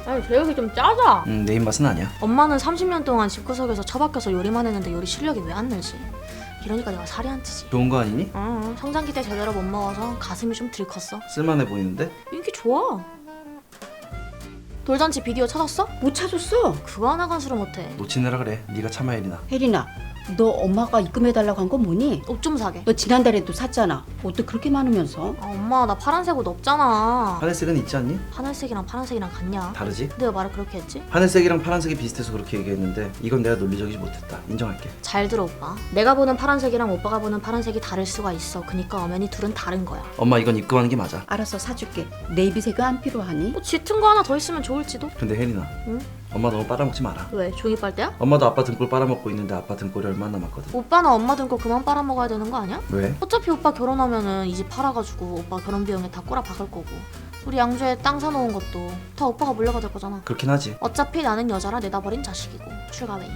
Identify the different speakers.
Speaker 1: 아니 제육이 좀 짜자.
Speaker 2: 내 입맛은 아니야.
Speaker 1: 엄마는 30년 동안 집구석에서 처박혀서 요리만 했는데 요리 실력이 왜 안 늘지? 이러니까 내가 살이 안 찌지.
Speaker 2: 좋은 거 아니니?
Speaker 1: 응, 성장기 때 제대로 못 먹어서 가슴이 좀 덜 컸어.
Speaker 2: 쓸만해 보이는데?
Speaker 1: 인기 좋아. 돌잔치 비디오 찾았어?
Speaker 3: 못 찾았어.
Speaker 1: 그거 하나 간수를 못해.
Speaker 2: 놓치느라 그래. 네가 참아 혜린아.
Speaker 3: 혜린아, 너 엄마가 입금해달라고 한 건 뭐니?
Speaker 1: 옷 좀 사게.
Speaker 3: 너 지난달에도 샀잖아. 옷도 그렇게 많으면서.
Speaker 1: 아, 엄마 나 파란색 옷 없잖아.
Speaker 2: 하늘색은 있지 않니?
Speaker 1: 하늘색이랑 파란색이랑 같냐?
Speaker 2: 다르지?
Speaker 1: 내가 말을 그렇게 했지?
Speaker 2: 하늘색이랑 파란색이 비슷해서 그렇게 얘기했는데 이건 내가 논리적이지 못했다. 인정할게.
Speaker 1: 잘 들어 오빠. 내가 보는 파란색이랑 오빠가 보는 파란색이 다를 수가 있어. 그니까 엄연히 둘은 다른 거야.
Speaker 2: 엄마 이건 입금하는 게 맞아.
Speaker 3: 알았어, 사줄게. 네이비색은 안 필요하니?
Speaker 1: 뭐 짙은 거 하나 더 있으면 좋을지도?
Speaker 2: 근데 혜린아.
Speaker 1: 응?
Speaker 2: 엄마 너무 빨아먹지 마라.
Speaker 1: 왜? 종이 빨대야?
Speaker 2: 엄마도 아빠 등골 빨아먹고 있는데 아빠 등골이 얼마나 남았거든.
Speaker 1: 오빠나 엄마 등거 그만 빨아먹어야 되는 거 아니야?
Speaker 2: 왜?
Speaker 1: 어차피 오빠 결혼하면은 이 집 팔아가지고 오빠 결혼 비용에 다 꼬라 박을 거고 우리 양주에 땅 사놓은 것도 다 오빠가 물려받을 거잖아.
Speaker 2: 그렇긴 하지.
Speaker 1: 어차피 나는 여자라 내다버린 자식이고 출가웨이.